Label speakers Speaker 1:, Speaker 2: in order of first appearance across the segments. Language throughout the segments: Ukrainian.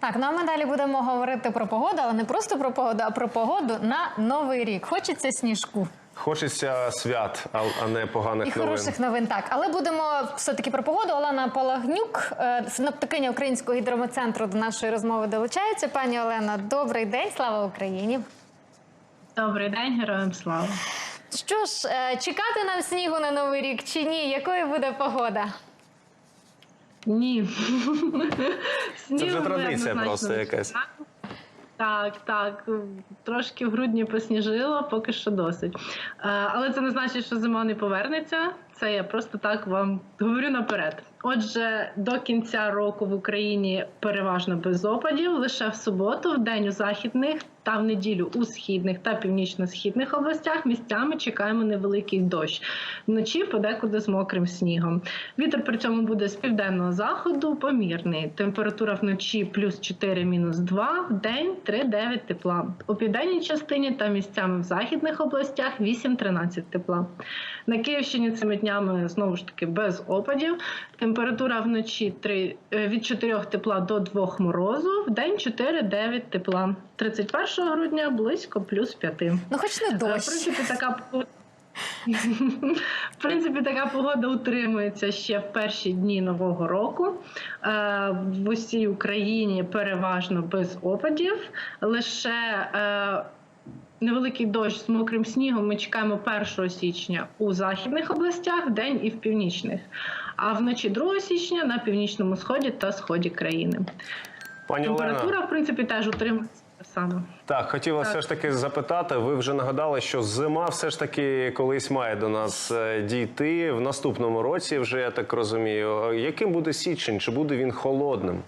Speaker 1: Так, ну а ми далі будемо говорити про погоду, але не просто про погоду, а про погоду на Новий рік. Хочеться сніжку.
Speaker 2: Хочеться свят, а не поганих новин.
Speaker 1: І хороших новин, так. Але будемо все-таки про погоду. Олена Палагнюк, синоптикиня Українського гідрометцентру, до нашої розмови долучається. Пані Олена, добрий день, слава Україні.
Speaker 3: Добрий день, героям слава.
Speaker 1: Що ж, чекати нам снігу на Новий рік чи ні? Якою буде погода?
Speaker 3: Ні.
Speaker 2: Це вже традиція просто якась.
Speaker 3: Так. Трошки в грудні посніжило, поки що досить. Але це не значить, що зима не повернеться. Це я просто так вам говорю наперед. Отже, до кінця року в Україні переважно без опадів. Лише в суботу, в день у західних та в неділю у східних та північно-східних областях місцями чекаємо невеликий дощ. Вночі подекуди з мокрим снігом. Вітер при цьому буде з південного заходу помірний. Температура вночі плюс 4, мінус 2, в день 3-9 тепла. У південній частині та місцями в західних областях 8-13 тепла. На Київщині цими днями знову ж таки без опадів. Температура вночі від 4 тепла до 2 морозу, в день 4-9 тепла. 31 грудня близько плюс 5.
Speaker 1: Ну хоч не дощ.
Speaker 3: В принципі, така погода утримується ще в перші дні Нового року. В усій Україні переважно без опадів. Лише невеликий дощ з мокрим снігом ми чекаємо 1 січня у західних областях, вдень і в північних. А вночі 2 січня на північному сході та сході країни. Температура, в принципі, теж утримується саме.
Speaker 2: Так, хотіла все ж таки запитати, ви вже нагадали, що зима все ж таки колись має до нас дійти в наступному році, вже я так розумію. Яким буде січень? Чи буде він холодним?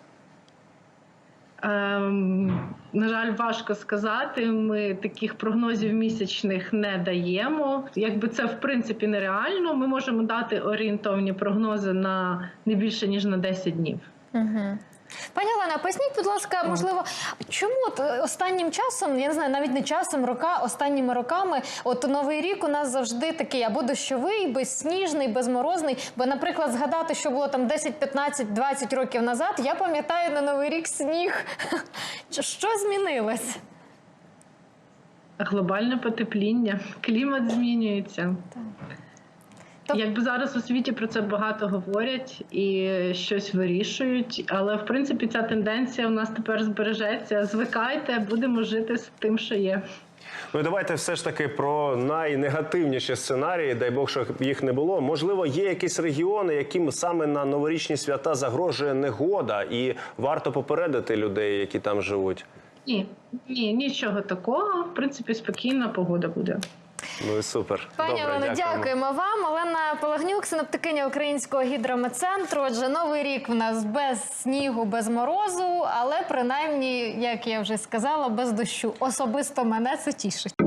Speaker 3: На жаль, важко сказати. Ми таких прогнозів місячних не даємо. Якби це, в принципі, нереально. Ми можемо дати орієнтовні прогнози на не більше, ніж на 10 днів.
Speaker 1: Угу. Пані Олена, поясніть, будь ласка, можливо, чому останнім часом, я не знаю, навіть не часом, останніми роками, от Новий рік у нас завжди такий або дощовий, безсніжний, безморозний, бо, наприклад, згадати, що було там 10, 15, 20 років назад, я пам'ятаю на Новий рік сніг. Що змінилось?
Speaker 3: Глобальне потепління, клімат змінюється. Якби зараз у світі про це багато говорять і щось вирішують, але, в принципі, ця тенденція у нас тепер збережеться. Звикайте, будемо жити з тим, що є.
Speaker 2: Ну, давайте все ж таки про найнегативніші сценарії, дай Бог, щоб їх не було. Можливо, є якісь регіони, яким саме на новорічні свята загрожує негода, і варто попередити людей, які там живуть?
Speaker 3: Ні, нічого такого. В принципі, спокійна погода буде.
Speaker 2: Ну і супер.
Speaker 1: Пані Олено, дякуємо вам. Олена Палагнюк, синоптикиня Українського гідрометцентру. Отже, Новий рік в нас без снігу, без морозу, але принаймні, як я вже сказала, без дощу. Особисто мене це тішить.